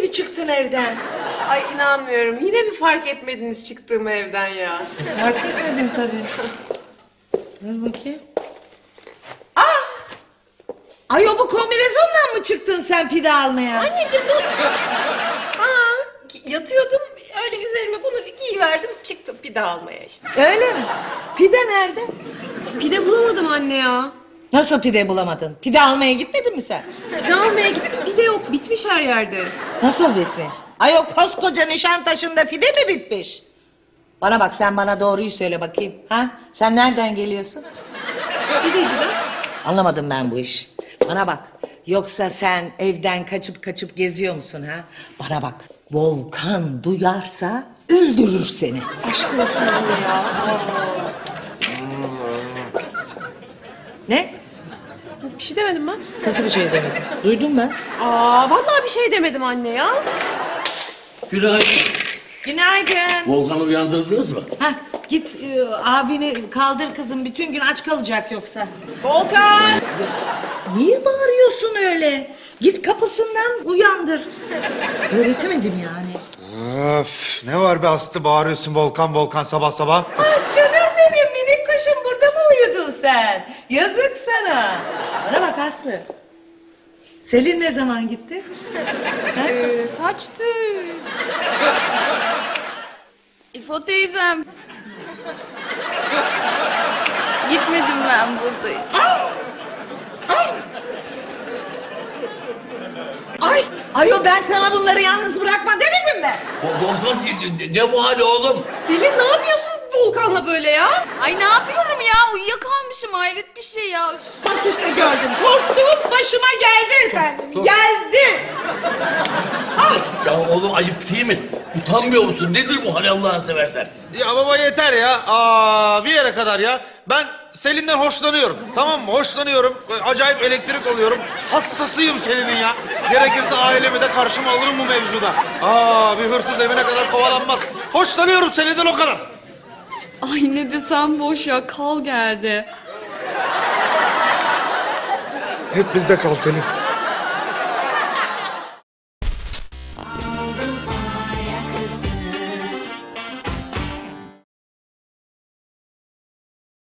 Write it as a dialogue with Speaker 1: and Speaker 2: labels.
Speaker 1: mi çıktın evden?
Speaker 2: Ay inanmıyorum. Yine mi fark etmediniz çıktığım evden ya?
Speaker 1: Fark etmedim tabii. Dur bakayım. Ay o bu kombinezonla mı çıktın sen pide almaya?
Speaker 2: Anneciğim bu... Yatıyordum öyle üzerime bunu giyiverdim çıktım pide almaya işte.
Speaker 1: Öyle mi? Pide nerede?
Speaker 2: Pide bulamadım anne ya.
Speaker 1: Nasıl pide bulamadın? Pide almaya gitmedin mi sen?
Speaker 2: Pide almaya gittim pide yok bitmiş her yerde.
Speaker 1: Nasıl bitmiş? Ay o koskoca Nişantaşı'nda pide mi bitmiş? Bana bak sen bana doğruyu söyle bakayım. Ha? Sen nereden geliyorsun?
Speaker 2: Pideciden.
Speaker 1: Anlamadım ben bu işi. Bana bak. Yoksa sen evden kaçıp geziyor musun ha? Bana bak. Volkan duyarsa öldürür seni.
Speaker 2: Aşk olsun anne ya.
Speaker 1: Ne?
Speaker 2: Bir şey demedim ben.
Speaker 1: Nasıl bir şey demedin? Duydum ben.
Speaker 2: Vallahi bir şey demedim anne ya.
Speaker 3: Günaydın.
Speaker 1: Günaydın.
Speaker 3: Volkan'ı uyandırdınız mı?
Speaker 1: Hah, git abini kaldır kızım. Bütün gün aç kalacak yoksa.
Speaker 2: Volkan!
Speaker 1: Niye bağırıyorsun öyle? Git kapısından uyandır. Öğretemedim yani.
Speaker 4: Öf, ne var be Aslı bağırıyorsun Volkan Volkan sabah sabah.
Speaker 1: Ah canım benim minik kuşum, burada mı uyudun sen? Yazık sana. Bana bak Aslı. Selin ne zaman gitti?
Speaker 2: Kaçtı.
Speaker 5: İfo teyzem. Gitmedim ben buradayım.
Speaker 1: Ay ben sana bunları yalnız bırakma demedim mi?
Speaker 3: Volkan ne bu hali oğlum?
Speaker 2: Selin ne yapıyorsun Volkan'la böyle ya?
Speaker 5: Ay ne yapıyorum ya? Uyuyakalmışım hayret bir şey ya. Üf.
Speaker 1: Bak işte gördün. Korktuğum başıma geldi efendim.
Speaker 3: Dur.
Speaker 1: Geldi.
Speaker 3: Ya oğlum ayıp değil mi? Utanmıyor musun? Nedir bu hal Allah'ını seversen?
Speaker 4: Ya baba yeter ya. Bir yere kadar ya. Ben Selin'den hoşlanıyorum. Tamam mı? Hoşlanıyorum. Acayip elektrik alıyorum. Hastasıyım Selin'in ya. Gerekirse ailemi de karşıma alırım bu mevzuda. Bir hırsız evine kadar kovalanmaz. Hoşlanıyorum Selin'den o kadar.
Speaker 5: Ay ne desem boş ya kal geldi.
Speaker 4: Hep bizde kal Selin.